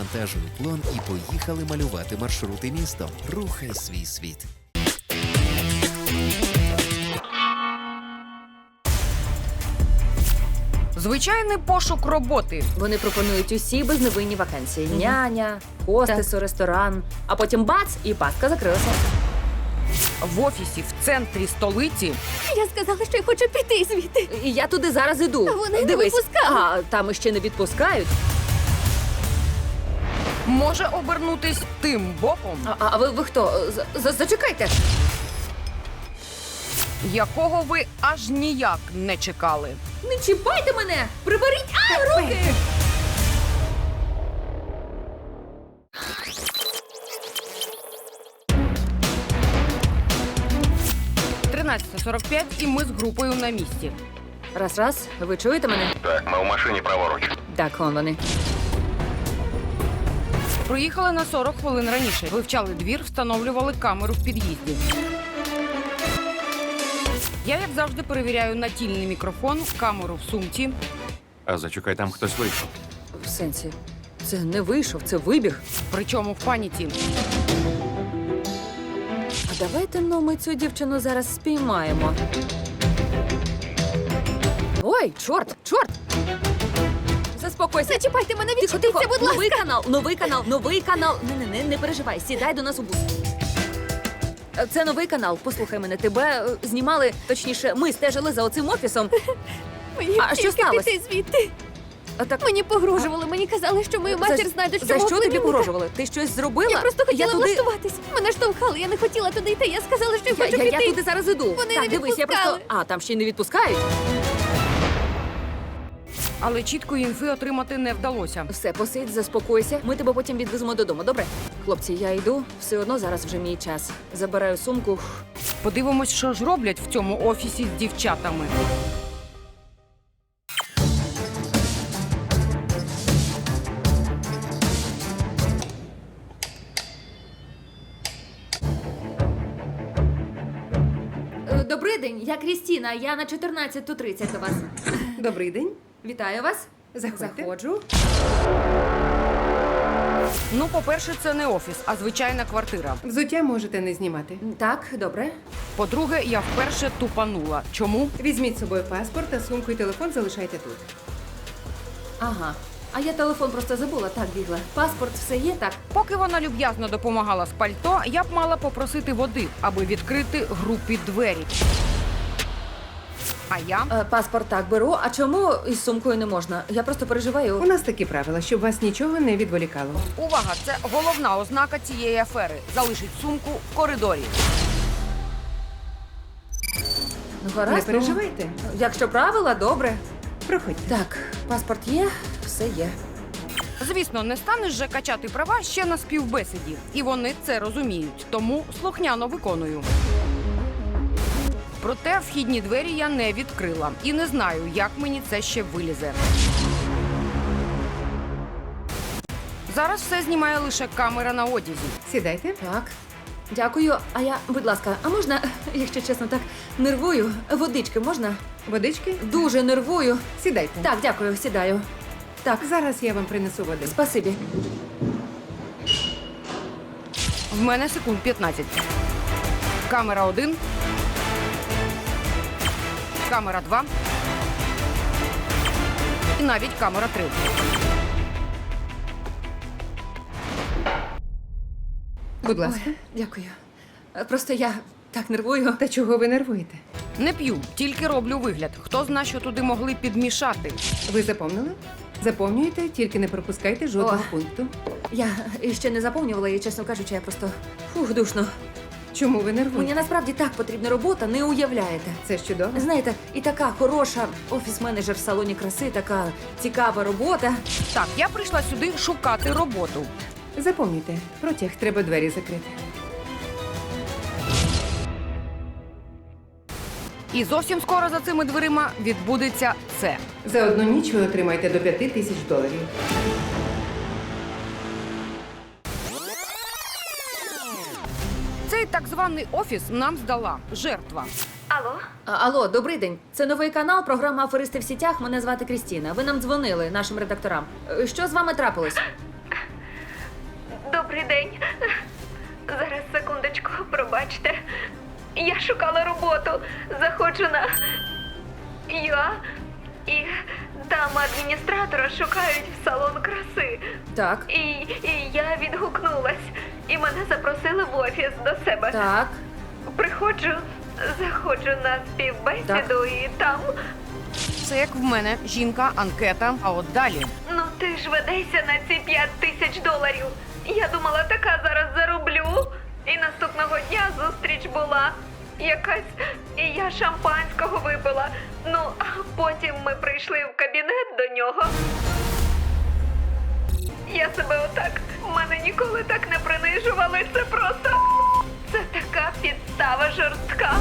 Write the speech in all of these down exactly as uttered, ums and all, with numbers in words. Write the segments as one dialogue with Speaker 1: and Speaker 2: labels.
Speaker 1: завантажуй уклон і поїхали малювати маршрути містом. Рухай свій світ.
Speaker 2: Звичайний пошук роботи.
Speaker 3: Вони пропонують усі безневинні вакансії. Няня, хостесу, ресторан. А потім бац, і пастка закрилася.
Speaker 2: В офісі в центрі столиці
Speaker 4: Я сказала, що я хочу піти звідти.
Speaker 3: І я туди зараз іду.
Speaker 4: А вони не
Speaker 3: Дивись,
Speaker 4: випускали.
Speaker 3: а там іще не відпускають.
Speaker 2: може обернутись тим боком,
Speaker 3: А, а ви, ви хто? З- з- Зачекайте.
Speaker 2: якого ви аж ніяк не чекали.
Speaker 3: Не чіпайте мене! Приберіть а, руки!
Speaker 2: тринадцята сорок п'ять і ми з групою на місці.
Speaker 3: Раз, раз. Ви чуєте мене?
Speaker 5: Так, ми в машині праворуч.
Speaker 3: Так, он вони.
Speaker 2: Приїхали на сорок хвилин раніше. Вивчали двір, встановлювали камеру в під'їзді. Я, як завжди, перевіряю натільний мікрофон, камеру в сумці.
Speaker 5: А зачекай, там хтось вийшов.
Speaker 3: В сенсі. Це не вийшов, це вибіг.
Speaker 2: Причому в паніці.
Speaker 3: А давайте ну ми цю дівчину зараз спіймаємо. Ой, чорт, чорт! Заспокойся.
Speaker 4: Зачіпайте мене,
Speaker 3: Тихо,
Speaker 4: відчепіться,
Speaker 3: тихо.
Speaker 4: будь ласка.
Speaker 3: Новий канал, новий канал, новий канал. Не, не, не, не переживай, сідай до нас у бус. Е, Це новий канал. Послухай мене, тебе е, знімали, точніше, ми стежили за оцим офісом.
Speaker 4: Мені
Speaker 3: А що
Speaker 4: тільки
Speaker 3: сталося?
Speaker 4: піти звідти.
Speaker 3: А так
Speaker 4: Мені погрожували, мені казали, що мою матір
Speaker 3: за,
Speaker 4: знайдуть, що
Speaker 3: за
Speaker 4: мого
Speaker 3: що тобі
Speaker 4: племінника.
Speaker 3: погрожували? Ти щось зробила?
Speaker 4: Я просто хотіла
Speaker 3: туди...
Speaker 4: влаштуватись. Мене штовхали, я не хотіла туди йти. Я сказала, що я,
Speaker 3: Я,
Speaker 4: хочу
Speaker 3: я,
Speaker 4: піти.
Speaker 3: я туди зараз іду.
Speaker 4: Вони
Speaker 3: так,
Speaker 4: не
Speaker 3: дивись, я просто.
Speaker 4: відпускали.
Speaker 3: А, там ще й не відпускають.
Speaker 2: Але чіткої інфи отримати не вдалося.
Speaker 3: Все, посидь, заспокойся. Ми тебе потім відвеземо додому, добре? Хлопці, я йду. Все одно зараз вже мій час. Забираю сумку.
Speaker 2: Подивимось, що ж роблять в цьому офісі з дівчатами.
Speaker 3: Е, Добрий день, я Крістіна. Я на чотирнадцяту тридцять до вас.
Speaker 6: Добрий день.
Speaker 3: Вітаю вас.
Speaker 6: Заходьте.
Speaker 3: Заходжу.
Speaker 2: Ну, по-перше, це не офіс, а звичайна квартира.
Speaker 6: Взуття можете не знімати.
Speaker 3: Так, добре.
Speaker 2: По-друге, я вперше тупанула. Чому?
Speaker 6: Візьміть з собою паспорт, а сумку і телефон залишайте тут.
Speaker 3: Ага. А я телефон просто забула, так бігла. Паспорт, все є, так?
Speaker 2: Поки вона люб'язно допомагала з пальто, я б мала попросити води, аби відкрити групі двері. А я?
Speaker 3: Е, паспорт так беру. А чому із сумкою не можна? Я просто переживаю.
Speaker 6: У нас такі правила, щоб вас нічого не відволікало.
Speaker 2: Увага, це головна ознака цієї афери. Залишить сумку в коридорі.
Speaker 3: Ну, гаразд,
Speaker 6: Не переживайте.
Speaker 3: ну, якщо правила, добре.
Speaker 6: Проходьте.
Speaker 3: Так, паспорт є, все є.
Speaker 2: Звісно, не станеш же качати права ще на співбесіді. І вони це розуміють, тому слухняно виконую. Проте вхідні двері я не відкрила. І не знаю, як мені це ще вилізе. Зараз все знімає лише камера на одязі.
Speaker 6: Сідайте.
Speaker 3: Так. Дякую. А я, будь ласка, а можна, якщо чесно, так нервую. Водички можна?
Speaker 6: Водички?
Speaker 3: Дуже нервую.
Speaker 6: Сідайте.
Speaker 3: Так, дякую, сідаю. Так,
Speaker 6: Зараз я вам принесу води.
Speaker 3: спасибі.
Speaker 2: В мене секунд п'ятнадцять. Камера один. Камера два. І навіть камера три.
Speaker 6: Будь ласка.
Speaker 3: Ой, дякую. Е, Просто я так нервую.
Speaker 6: Та чого ви нервуєте?
Speaker 2: Не п'ю, тільки роблю вигляд. Хто зна, що туди могли підмішати.
Speaker 6: Ви заповнили? Заповнюєте, тільки не пропускайте жодного
Speaker 3: О.
Speaker 6: пункту.
Speaker 3: Я ще не заповнювала і, чесно кажучи, я просто фух, душно.
Speaker 6: Чому ви нервуєте?
Speaker 3: Мені насправді так потрібна робота, не уявляєте.
Speaker 6: Це ж чудово.
Speaker 3: Знаєте, і така хороша офіс-менеджер в салоні краси, така цікава робота.
Speaker 2: Так, я прийшла сюди шукати роботу.
Speaker 6: Заповнюйте. Протяг, треба двері закрити.
Speaker 2: І зовсім скоро за цими дверима відбудеться це.
Speaker 6: За одну ніч ви отримаєте до п'яти тисяч доларів.
Speaker 2: Цей так званий офіс нам здала жертва.
Speaker 3: А, алло, добрий день. Це новий канал, програма «Аферисти в сітях». Мене звати Крістіна. Ви нам дзвонили, нашим редакторам. Е, Що з вами трапилось?
Speaker 7: Добрий день. Зараз, секундочку, пробачте. Я шукала роботу. Заходжу на... Я... І там адміністратора шукають в салон краси.
Speaker 3: Так,
Speaker 7: І, і я відгукнулась. І мене запросили в офіс до себе.
Speaker 3: так.
Speaker 7: Приходжу, заходжу на співбесіду і там...
Speaker 2: Це як в мене жінка, анкета. А от далі
Speaker 7: Ну ти ж ведешся на ці п'ять тисяч доларів. Я думала, така зараз зароблю. І наступного дня зустріч була якась, і я шампанського випила. Ну, а потім ми прийшли в кабінет до нього. Я себе отак, мене ніколи так не принижували. Це просто, це така підстава жорстка.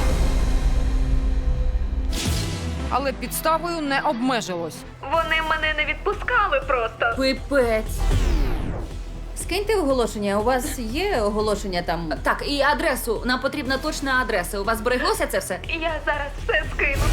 Speaker 2: але підставою не обмежилось.
Speaker 7: Вони мене не відпускали просто.
Speaker 3: Пипець.
Speaker 8: Скиньте оголошення. У вас є оголошення там?
Speaker 3: Так, і адресу. Нам потрібна точна адреса. У вас збереглося це все?
Speaker 7: Я зараз все скину.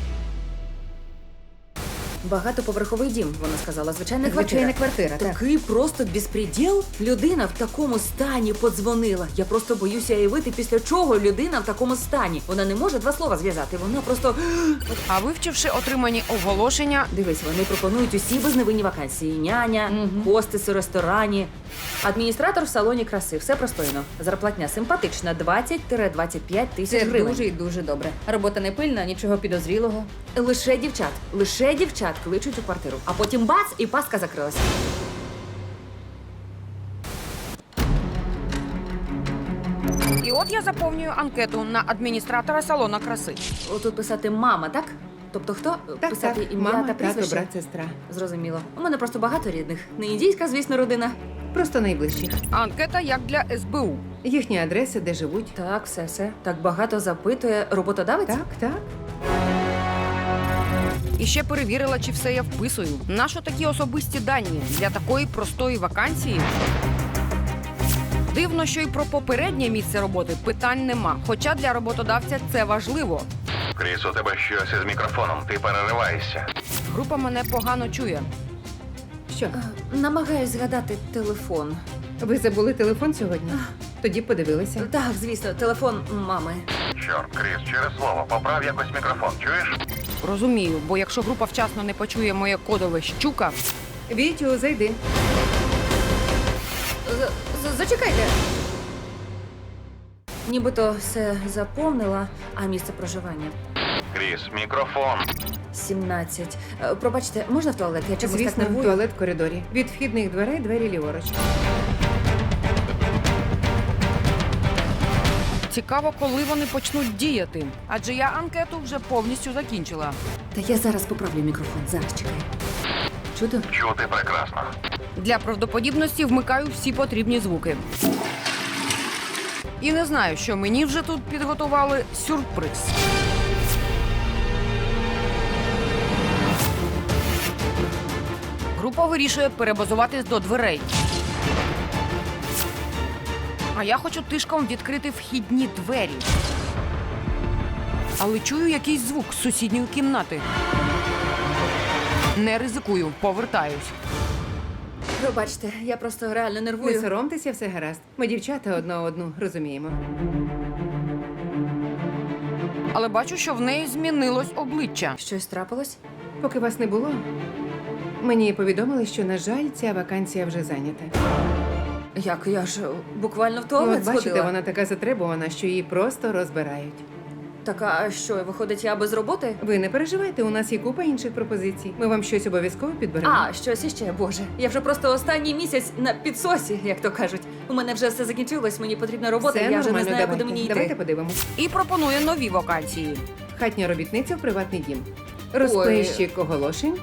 Speaker 3: Багатоповерховий дім, вона сказала. Звичайна квартира.
Speaker 6: Звичайна квартира, так.
Speaker 3: Такий просто безпреділ. Людина в такому стані подзвонила. Я просто боюся уявити, після чого людина в такому стані. Вона не може два слова зв'язати. Вона просто...
Speaker 2: А вивчивши отримані оголошення,
Speaker 3: Дивись, вони пропонують усі безневинні вакансії. Няня, хостес у ресторані, адміністратор в салоні краси. Все простойно. Зарплатня симпатична. двадцять-двадцять п'ять тисяч
Speaker 8: Це
Speaker 3: гривень.
Speaker 8: дуже і дуже добре. Робота не пильна, нічого підозрілого.
Speaker 3: Лише дівчат. Лише дівчат кличуть у квартиру. А потім бац, і пастка закрилася.
Speaker 2: і от я заповнюю анкету на адміністратора салона краси.
Speaker 3: Отут писати мама, так? Тобто хто?
Speaker 6: Так,
Speaker 3: писати
Speaker 6: так,
Speaker 3: ім'я
Speaker 6: мама,
Speaker 3: та
Speaker 6: тато,
Speaker 3: прізвище?
Speaker 6: брат, сестра.
Speaker 3: Зрозуміло. У мене просто багато рідних. Не індійська, звісно, родина.
Speaker 6: Просто найближчі.
Speaker 2: Анкета як для ес бе у.
Speaker 6: Їхні адреси, де живуть.
Speaker 3: Так, все, все. Так багато запитує роботодавець?
Speaker 6: Так, так.
Speaker 2: І ще перевірила, чи все я вписую. Нащо такі особисті дані для такої простої вакансії? Дивно, що і про попереднє місце роботи питань нема. Хоча для роботодавця це важливо.
Speaker 5: Кріс, у тебе щось із мікрофоном, ти перериваєшся.
Speaker 2: Група мене погано чує.
Speaker 6: Що?
Speaker 3: Е, Намагаюсь згадати телефон.
Speaker 6: Ви забули телефон сьогодні? Тоді подивилися.
Speaker 3: Так, звісно, телефон мами.
Speaker 5: Чорт, Кріс, через слово, поправ якось мікрофон, чуєш?
Speaker 2: Розумію, бо якщо група вчасно не почує моє кодове «щука»,
Speaker 6: Вітю, зайди.
Speaker 3: З- з- Зачекайте. Нібито все заповнила, а місце проживання
Speaker 5: Кріс, мікрофон.
Speaker 3: сімнадцять. Е, Пробачте, можна в туалет? Я чомусь так
Speaker 6: Звісно,
Speaker 3: нервую.
Speaker 6: туалет в коридорі. Від вхідних дверей двері ліворуч.
Speaker 2: цікаво, коли вони почнуть діяти. Адже я анкету вже повністю закінчила.
Speaker 3: Та я зараз поправлю мікрофон. Зараз чекай. Чудо?
Speaker 5: Чути прекрасно.
Speaker 2: Для правдоподібності вмикаю всі потрібні звуки. І не знаю, що мені вже тут підготували сюрприз. Група вирішує перебазуватись до дверей. А я хочу тишком відкрити вхідні двері. Але чую якийсь звук з сусідньої кімнати. Не ризикую, повертаюсь.
Speaker 3: Пробачте, я просто реально
Speaker 6: Не
Speaker 3: нервую.
Speaker 6: соромтеся, все гаразд. Ми дівчата одна одну розуміємо.
Speaker 2: Але бачу, що в неї змінилось обличчя.
Speaker 3: Щось трапилось?
Speaker 6: Поки вас не було, мені повідомили, що, на жаль, ця вакансія вже зайнята.
Speaker 3: Як я ж буквально в туалет
Speaker 6: От бачите,
Speaker 3: сходила.
Speaker 6: вона така затребувана, що її просто розбирають.
Speaker 3: Так, а що, виходить, я без роботи?
Speaker 6: Ви не переживайте, у нас є купа інших пропозицій. Ми вам щось обов'язково підберемо.
Speaker 3: А, щось іще, боже. Я вже просто останній місяць на підсосі, як то кажуть. У мене вже все закінчилось, мені потрібна робота,
Speaker 6: Все
Speaker 3: я вже не
Speaker 6: нормально,
Speaker 3: знаю,
Speaker 6: давайте.
Speaker 3: куди мені йти.
Speaker 6: Давайте подивимось.
Speaker 2: І пропонує нові вакансії.
Speaker 6: Хатня робітниця в приватний дім. Розплещик оголошень.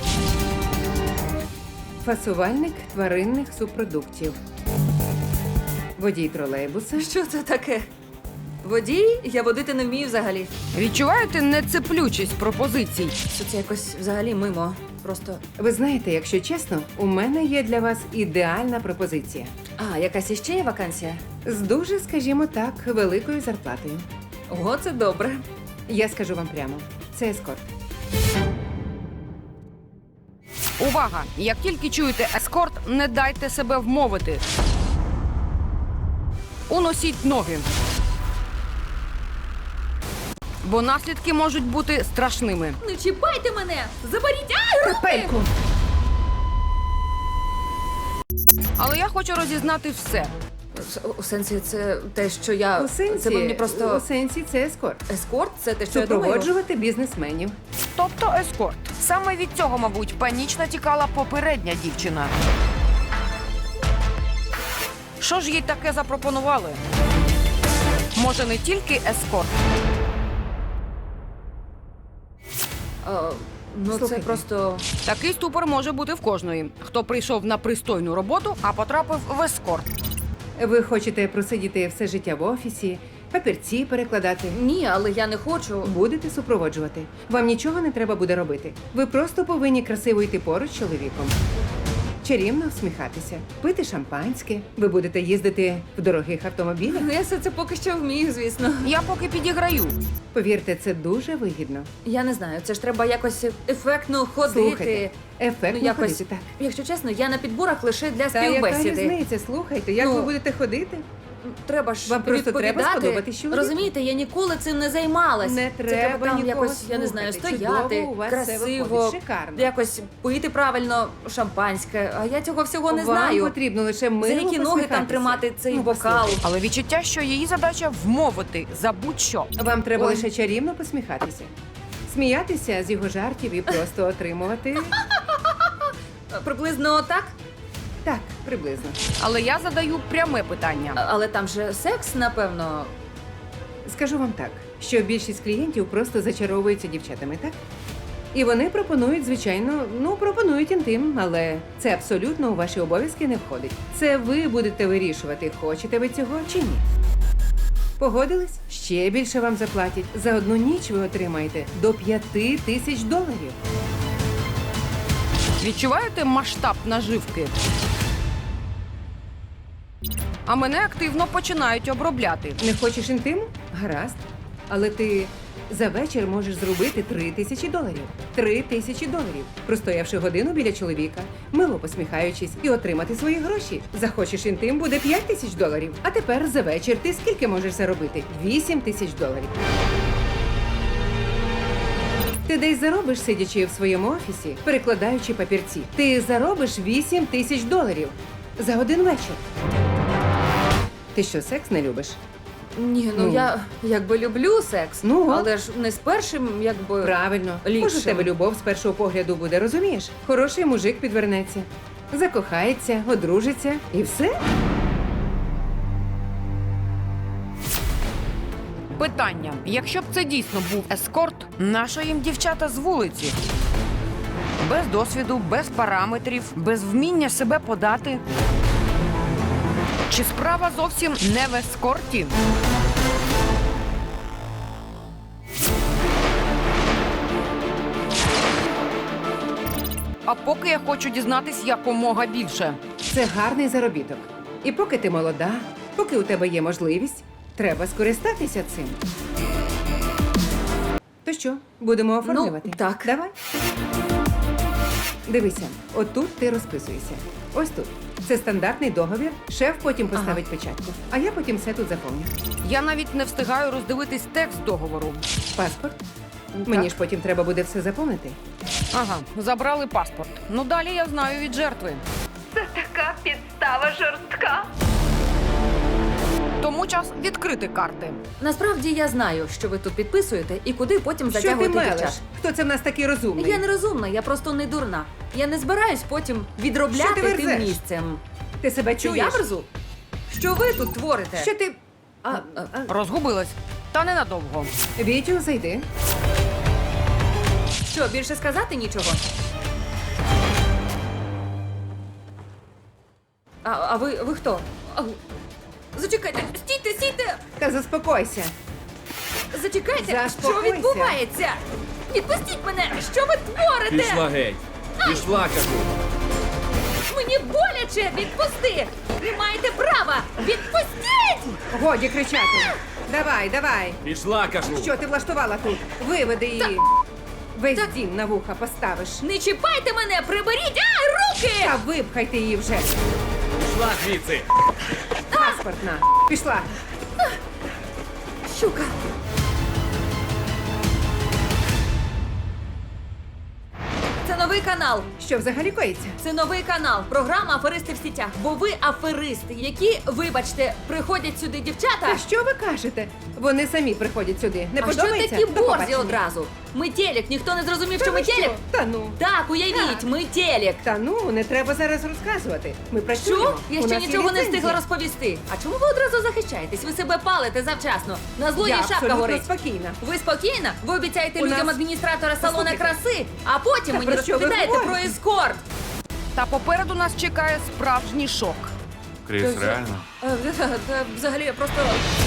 Speaker 6: Фасувальник тваринних субпродуктів. Водій тролейбуса.
Speaker 3: Що це таке? Водій? Я водити не вмію взагалі.
Speaker 2: Відчуваєте нецеплючість пропозицій?
Speaker 3: Що це якось взагалі мимо. Просто.
Speaker 6: Ви знаєте, якщо чесно, у мене є для вас ідеальна пропозиція.
Speaker 3: А, якась іще є вакансія?
Speaker 6: З дуже, скажімо так, великою зарплатою.
Speaker 3: Ого, це добре.
Speaker 6: Я скажу вам прямо, це ескорт.
Speaker 2: Увага! Як тільки чуєте ескорт, не дайте себе вмовити. уносіть ноги. Бо наслідки можуть бути страшними.
Speaker 3: Не чіпайте мене! Заберіть! Ай, руки!
Speaker 6: Пельку!
Speaker 2: Але я хочу розізнати все.
Speaker 3: У сенсі, це те, що я...
Speaker 6: У сенсі,
Speaker 3: Це ви мені просто...
Speaker 6: у сенсі це ескорт.
Speaker 3: Ескорт? Це те, що я думаю?
Speaker 6: Супроводжувати бізнесменів.
Speaker 2: Тобто ескорт. Саме від цього, мабуть, панічно тікала попередня дівчина. Що ж їй таке запропонували? Може, не тільки ескорт?
Speaker 3: А, ну, це
Speaker 6: Слухайте.
Speaker 3: просто...
Speaker 2: Такий ступор може бути в кожної, хто прийшов на пристойну роботу, а потрапив в ескорт.
Speaker 6: Ви хочете просидіти все життя в офісі, папірці перекладати.
Speaker 3: Ні, але я не хочу.
Speaker 6: Будете супроводжувати. Вам нічого не треба буде робити. Ви просто повинні красиво йти поруч з чоловіком. Чарівно всміхатися, пити шампанське. Ви будете їздити в дорогих автомобілях.
Speaker 3: Ну, я все це поки що вмію, звісно.
Speaker 2: Я поки підіграю.
Speaker 6: Повірте, це дуже вигідно.
Speaker 3: Я не знаю, це ж треба якось ефектно ходити.
Speaker 6: Слухайте, ефектно
Speaker 3: Ну, якось,
Speaker 6: ходити, так.
Speaker 3: якщо чесно, я на підборах лише для
Speaker 6: Та яка
Speaker 3: співбесіди.
Speaker 6: різниця? Слухайте, як
Speaker 3: Ну,
Speaker 6: ви будете ходити?
Speaker 3: Треба ж
Speaker 6: Вам просто треба
Speaker 3: відповідати.
Speaker 6: сподобатись чоловіку.
Speaker 3: Розумієте, я ніколи цим не займалась.
Speaker 6: Не
Speaker 3: Це
Speaker 6: треба
Speaker 3: треба там
Speaker 6: нікого
Speaker 3: якось, я не знаю,
Speaker 6: слухати.
Speaker 3: стояти,
Speaker 6: Чудово у вас все
Speaker 3: красиво,
Speaker 6: виходить. Шикарно.
Speaker 3: якось пити правильно шампанське. А я цього всього не
Speaker 6: Вам
Speaker 3: знаю.
Speaker 6: потрібно лише
Speaker 3: За
Speaker 6: мило
Speaker 3: які ноги там
Speaker 6: посміхатися.
Speaker 3: тримати цей
Speaker 6: Ну,
Speaker 3: бокал?
Speaker 6: послухайте.
Speaker 2: Але відчуття, що її задача вмовити за будь-що.
Speaker 6: Вам треба
Speaker 3: Ой.
Speaker 6: лише чарівно посміхатися. Сміятися з його жартів і просто отримувати.
Speaker 3: Приблизно так?
Speaker 6: Так, приблизно.
Speaker 2: Але я задаю пряме питання.
Speaker 3: А- Але там же секс, напевно.
Speaker 6: Скажу вам так, що більшість клієнтів просто зачаровуються дівчатами, так? І вони пропонують, звичайно, ну, пропонують інтим, але це абсолютно у ваші обов'язки не входить. Це ви будете вирішувати, хочете ви цього чи ні. Погодились? Ще більше вам заплатять. За одну ніч ви отримаєте до п'яти тисяч доларів.
Speaker 2: Відчуваєте масштаб наживки? А мене активно починають обробляти.
Speaker 6: Не хочеш інтиму? Гаразд. Але ти за вечір можеш зробити три тисячі доларів. Три тисячі доларів. Простоявши годину біля чоловіка, мило посміхаючись і отримати свої гроші. Захочеш інтим, буде п'ять тисяч доларів. А тепер за вечір ти скільки можеш заробити? Вісім тисяч доларів. Ти десь заробиш, сидячи в своєму офісі, перекладаючи папірці. Ти заробиш вісім тисяч доларів за один вечір. Ти що, секс не любиш?
Speaker 3: Ні, ну,
Speaker 6: Ну.
Speaker 3: я якби люблю секс,
Speaker 6: Ну, от.
Speaker 3: але ж не з першим, якби.
Speaker 6: Правильно.
Speaker 3: Ліпше.
Speaker 6: Може, в тебе любов з першого погляду буде, розумієш? Хороший мужик підвернеться, закохається, одружиться і все.
Speaker 2: Питання: якщо б це дійсно був ескорт, нащо їм дівчата з вулиці? Без досвіду, без параметрів, без вміння себе подати. Чи справа зовсім не в ескорті? А поки я хочу дізнатись якомога більше.
Speaker 6: Це гарний заробіток. І поки ти молода, поки у тебе є можливість, треба скористатися цим. То що, будемо оформлювати?
Speaker 3: Ну, так.
Speaker 6: Давай. Дивися, отут ти розписуєшся. Ось тут. Це стандартний договір. Шеф потім поставить печатку, а я потім все тут заповню.
Speaker 2: Я навіть не встигаю роздивитись текст договору.
Speaker 6: Паспорт. Мені ж потім треба буде все заповнити.
Speaker 2: Ага, забрали паспорт. Ну далі я знаю від жертви.
Speaker 7: Це така підстава жорстка.
Speaker 2: Тому час відкрити карти.
Speaker 3: Насправді я знаю, що ви тут підписуєте і куди потім
Speaker 6: Що ти
Speaker 3: затягуєте
Speaker 6: мелеш?
Speaker 3: дівчат.
Speaker 6: Хто це в нас такий розумний?
Speaker 3: Я не розумна, я просто не дурна. Я не збираюсь потім
Speaker 6: Що
Speaker 3: відробляти
Speaker 6: ти
Speaker 3: тим
Speaker 6: верзеш?
Speaker 3: місцем.
Speaker 6: Ти себе
Speaker 3: Що
Speaker 6: чуєш?
Speaker 3: я верзу? Що ви тут творите?
Speaker 6: Що ти...
Speaker 3: А, а,
Speaker 2: Розгубилась. Та ненадовго.
Speaker 6: Вітю, зайди.
Speaker 3: що, більше сказати нічого? А, а ви, ви хто? А, зачекайте, стійте, стійте!
Speaker 6: Та заспокойся.
Speaker 3: Зачекайте, що
Speaker 6: Заспокойся.
Speaker 3: відбувається? Відпустіть мене! Що ви творите?
Speaker 9: Пішла геть! Пішла, кажу!
Speaker 3: Мені боляче! Відпусти! Ви маєте право! Відпустіть!
Speaker 6: Годі кричати. Давай, давай.
Speaker 9: Пішла, кажу!
Speaker 6: Що ти влаштувала тут? Виведи її. Весь
Speaker 3: Так.
Speaker 6: дім на вуха поставиш.
Speaker 3: Не чіпайте мене! Приберіть! Ай, руки!
Speaker 6: Та випхайте її вже.
Speaker 9: Пішла звідси!
Speaker 6: паспорт на. Пішла.
Speaker 3: Щука. Це новий канал.
Speaker 6: Що взагалі коїться?
Speaker 3: Це новий канал. Програма Аферисти в сітях. Бо ви аферисти, які, вибачте, приходять сюди дівчата.
Speaker 6: Та що ви кажете? Вони самі приходять сюди. Не
Speaker 3: А що
Speaker 6: подобається?
Speaker 3: такі
Speaker 6: До
Speaker 3: борзі
Speaker 6: побачення.
Speaker 3: одразу? Ми телек, ніхто не зрозумів,
Speaker 6: Та
Speaker 3: що
Speaker 6: ви
Speaker 3: ми телек?
Speaker 6: Та ну.
Speaker 3: Так, уявіть,
Speaker 6: Так.
Speaker 3: ми телек.
Speaker 6: Та ну, не треба зараз розказувати. Ми працюємо.
Speaker 3: Що? Я
Speaker 6: У
Speaker 3: ще
Speaker 6: нас є
Speaker 3: нічого не
Speaker 6: ліцензія.
Speaker 3: встигла розповісти. А чому ви одразу захищаєтесь? Ви себе палите завчасно. На злодії
Speaker 6: Я
Speaker 3: шапка
Speaker 6: абсолютно
Speaker 3: горить.
Speaker 6: спокійна.
Speaker 3: Ви спокійна? Ви обіцяєте
Speaker 6: У
Speaker 3: людям
Speaker 6: нас-
Speaker 3: адміністратора салона
Speaker 6: Послухайте.
Speaker 3: краси, а потім
Speaker 6: Та
Speaker 3: мені
Speaker 6: про що ви
Speaker 3: розповідаєте про
Speaker 6: говорите?
Speaker 3: ескорт.
Speaker 2: Та попереду нас чекає справжній шок.
Speaker 5: Кріс, реально?
Speaker 3: Е, е, Взагалі, я просто.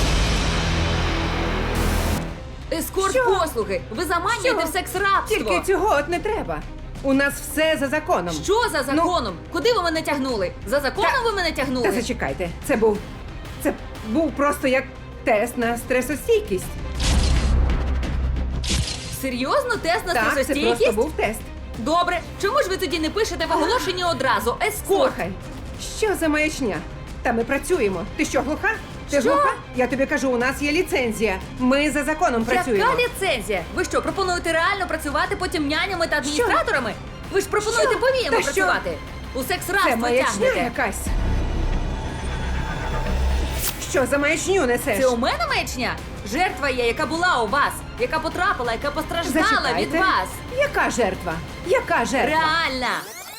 Speaker 3: Ескорт
Speaker 6: Що?
Speaker 3: послуги. Ви заманюєте
Speaker 6: Що?
Speaker 3: в секс-рабство.
Speaker 6: Тільки цього от не треба. У нас все за законом.
Speaker 3: Що за законом? Куди ви мене тягнули? За законом
Speaker 6: Та-
Speaker 3: ви мене тягнули?
Speaker 6: Та зачекайте, це був. Це був просто як тест на стресостійкість.
Speaker 3: Серйозно, тест на
Speaker 6: Так, це
Speaker 3: стресостійкість?
Speaker 6: просто був тест.
Speaker 3: Добре, чому ж ви тоді не пишете в оголошенні одразу? Ескорт.
Speaker 6: Слухай, що за маячня? Та ми працюємо. Ти що, глуха? Ти
Speaker 3: Що?
Speaker 6: глуха? Я тобі кажу, у нас є ліцензія. Ми за законом працюємо.
Speaker 3: Яка ліцензія? Ви що, пропонуєте реально працювати потім нянями та адміністраторами? Ви ж пропонуєте
Speaker 6: Що?
Speaker 3: повільно
Speaker 6: Та що?
Speaker 3: працювати. У
Speaker 6: Це
Speaker 3: секс-рабство
Speaker 6: маячня
Speaker 3: тягнете.
Speaker 6: якась. Що за маячню несеш?
Speaker 3: Це у мене маячня? Жертва є, яка була у вас, яка потрапила, яка постраждала від
Speaker 6: Зачекайте.
Speaker 3: вас.
Speaker 6: Яка жертва? Яка жертва?
Speaker 3: Реальна.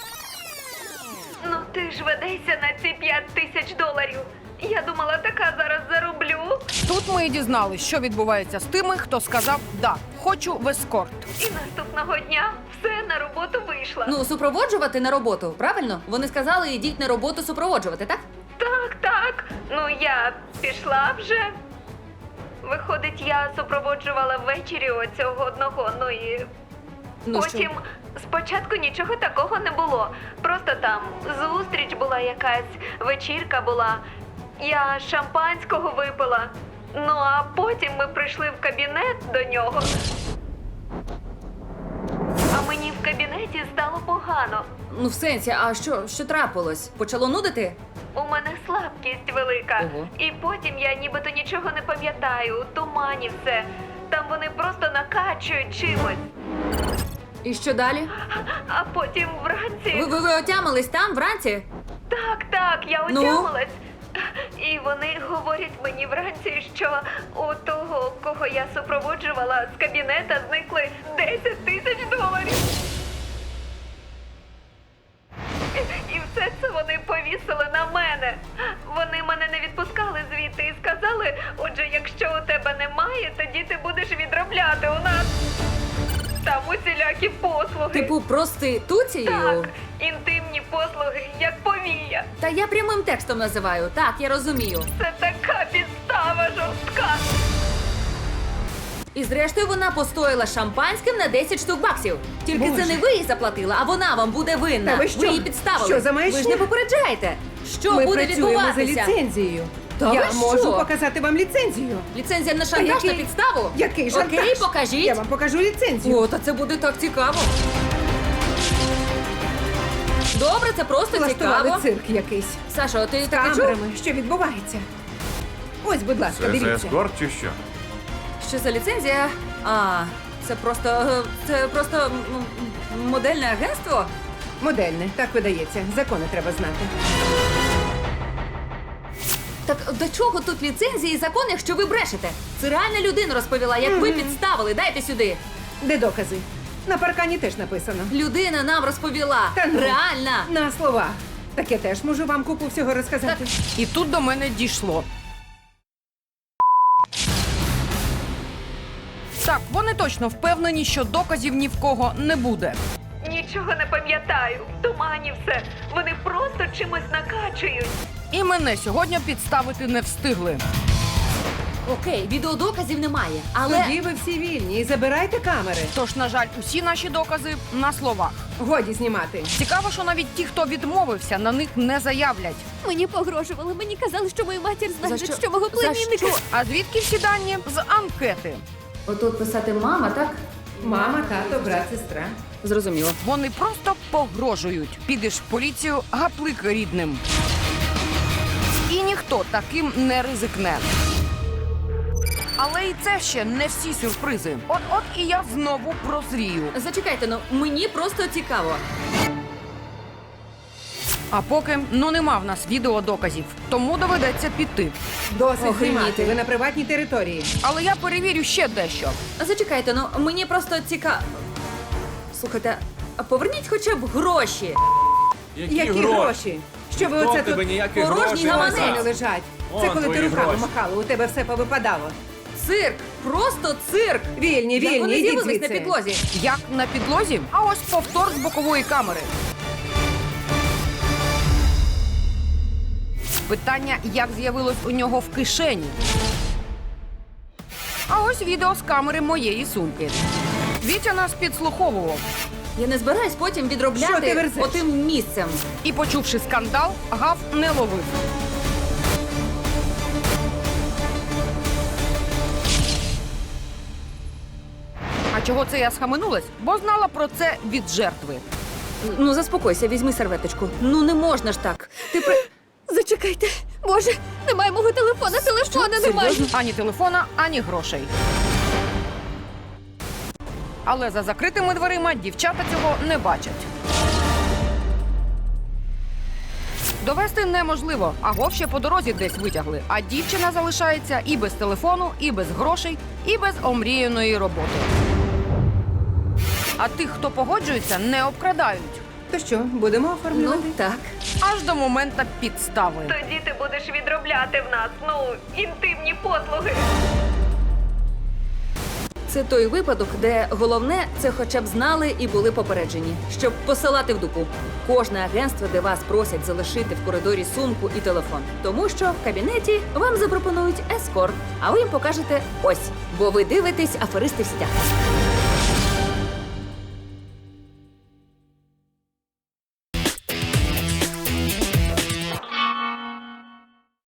Speaker 7: Ну ти ж ведешся на ці п'ять тисяч доларів. Я думала, така зараз зароблю.
Speaker 2: Тут ми і дізналися, що відбувається з тими, хто сказав «да, хочу в ескорт».
Speaker 7: І наступного дня все на роботу вийшла.
Speaker 3: Ну, супроводжувати на роботу, правильно? Вони сказали, ідіть на роботу супроводжувати, так?
Speaker 7: Так, так. Ну я пішла вже. Виходить, я супроводжувала ввечері оцього одного, ну і
Speaker 3: Ну,
Speaker 7: потім спочатку нічого такого не було. Просто там зустріч була якась, вечірка була. Я шампанського випила. Ну а потім ми прийшли в кабінет до нього. А мені в кабінеті стало погано.
Speaker 3: Ну, в сенсі, а що, що трапилось? Почало нудити?
Speaker 7: У мене слабкість велика.
Speaker 3: Ого.
Speaker 7: І потім я нібито нічого не пам'ятаю, у тумані все. Там вони просто накачують чимось.
Speaker 3: І що далі?
Speaker 7: А потім вранці.
Speaker 3: Ви, ви, ви отямились там вранці?
Speaker 7: Так, так, я
Speaker 3: Ну?
Speaker 7: отямилась. І вони говорять мені вранці, що у того, кого я супроводжувала, з кабінета зникли десять тисяч доларів. І- І все це вони повісили на мене. Вони мене не відпускали звідти і сказали, отже, якщо у тебе немає, тоді ти будеш відробляти у нас. Там усілякі послуги.
Speaker 3: Типу проституцією?
Speaker 7: Так, інтимні послуги, як повія.
Speaker 3: Та я прямим текстом називаю. Так, я розумію.
Speaker 7: Це така підстава жорстка.
Speaker 3: І зрештою вона постояла шампанським на десять штук баксів. Тільки
Speaker 6: Боже.
Speaker 3: це не ви їй заплатила, а вона вам буде винна.
Speaker 6: Та ви що?
Speaker 3: її підставили.
Speaker 6: Що за маячня?
Speaker 3: Ви ж не попереджаєте. Що
Speaker 6: Ми
Speaker 3: буде
Speaker 6: працюємо за
Speaker 3: відбуватися?
Speaker 6: ліцензією.
Speaker 3: Та
Speaker 6: я
Speaker 3: ви
Speaker 6: можу
Speaker 3: що?
Speaker 6: показати вам ліцензію.
Speaker 3: Ліцензія на
Speaker 6: Та
Speaker 3: шантаж на
Speaker 6: який-
Speaker 3: підставу?
Speaker 6: Який шантаж?
Speaker 3: Окей, покажіть.
Speaker 6: Я вам покажу ліцензію.
Speaker 3: О, та це буде так цікаво. Добре, це просто
Speaker 6: Влаштували
Speaker 3: цікаво.
Speaker 6: цирк якийсь.
Speaker 3: Сашо, ти
Speaker 6: З
Speaker 3: таке чув?
Speaker 6: камерами. Що відбувається? Ось, будь ласка,
Speaker 5: Це за
Speaker 6: дивіться.
Speaker 5: ескорт чи що?
Speaker 3: Що за ліцензія? А, це просто. е, Це просто м, м, модельне агентство?
Speaker 6: Модельне, так видається. Закони треба знати.
Speaker 3: Так до чого тут ліцензії і закон, якщо ви брешете? Це реальна людина розповіла, як ви підставили. Дайте сюди.
Speaker 6: Де докази? На паркані теж написано.
Speaker 3: Людина нам розповіла.
Speaker 6: Та ну.
Speaker 3: Реальна.
Speaker 6: На словах. Так я теж можу вам купу всього розказати.
Speaker 2: І тут до мене дійшло. Так, вони точно впевнені, що доказів ні в кого не буде.
Speaker 7: Нічого не пам'ятаю. В тумані все. Вони просто чимось накачують.
Speaker 2: І мене сьогодні підставити не встигли.
Speaker 3: Окей, відеодоказів немає, але
Speaker 6: Тоді ви всі вільні і забирайте камери.
Speaker 2: Тож, на жаль, усі наші докази на словах.
Speaker 6: Годі знімати.
Speaker 2: Цікаво, що навіть ті, хто відмовився, на них не заявлять.
Speaker 4: Мені погрожували, мені казали, що мою матір знайдуть,
Speaker 3: що?
Speaker 4: що? мого
Speaker 3: За
Speaker 4: племінника.
Speaker 3: що?
Speaker 2: А звідки всі дані? З анкети.
Speaker 3: отут писати мама, так?
Speaker 6: Мама, тато, брат, сестра.
Speaker 3: Зрозуміло.
Speaker 2: Вони просто погрожують. Підеш в поліцію, гаплик рідним. І ніхто ніхто таким не ризикне. Але і це ще не всі сюрпризи. От-от і я знову прозрію.
Speaker 3: Зачекайте, ну мені просто цікаво.
Speaker 2: А поки, ну нема в нас відеодоказів, тому доведеться піти.
Speaker 6: Досить
Speaker 3: Охреніти.
Speaker 6: знімати, ви на приватній території.
Speaker 2: Але я перевірю ще дещо.
Speaker 3: Зачекайте, ну мені просто цікаво. Слухайте, а поверніть хоча б гроші.
Speaker 9: Які,
Speaker 6: Які гроші? Що ви
Speaker 9: Ніхто
Speaker 6: оце
Speaker 9: в тебе
Speaker 6: тут
Speaker 9: ніяких
Speaker 3: порожній
Speaker 9: грошей не
Speaker 3: гаманець.
Speaker 9: взяв.
Speaker 6: не лежать?
Speaker 9: Вон
Speaker 6: Це коли ти
Speaker 9: твої
Speaker 6: руками
Speaker 9: гроші.
Speaker 6: махала, у тебе все повипадало.
Speaker 3: Цирк! Просто цирк!
Speaker 6: Вільні,
Speaker 3: Як
Speaker 6: вільні,
Speaker 3: вони
Speaker 6: йдіть
Speaker 3: з'явились на
Speaker 6: звідси.
Speaker 3: підлозі?
Speaker 2: Як на підлозі? А ось повтор з бокової камери. Питання, як з'явилось у нього в кишені. А ось відео з камери моєї сумки. Вітя нас підслуховував.
Speaker 3: Я не збираюсь потім
Speaker 6: Що ти
Speaker 3: відробляти
Speaker 6: верзеш?
Speaker 3: отим місцем.
Speaker 2: І, почувши скандал, гав не ловив. А чого це я схаменулась? Бо знала про це від жертви.
Speaker 3: Ну заспокойся, візьми серветочку. Ну не можна ж так. Ти при...
Speaker 4: Зачекайте. Боже, немає мого телефона, телефона немає.
Speaker 2: Ані телефона, ані грошей. Але за закритими дверима дівчата цього не бачать. Довести неможливо, а Гов ще по дорозі десь витягли. А дівчина залишається і без телефону, і без грошей, і без омріяної роботи. А тих, хто погоджується, не обкрадають.
Speaker 6: То що, будемо
Speaker 3: Ну
Speaker 6: оформлювати?
Speaker 3: так.
Speaker 2: Аж до моменту підстави.
Speaker 7: Тоді ти будеш відробляти в нас, ну, інтимні послуги.
Speaker 3: Це той випадок, де головне це хоча б знали і були попереджені, щоб посилати в дупу. Кожне агентство, де вас просять залишити в коридорі сумку і телефон. Тому що в кабінеті вам запропонують ескорт, а ви їм покажете ось, бо ви дивитесь аферисти в сітях.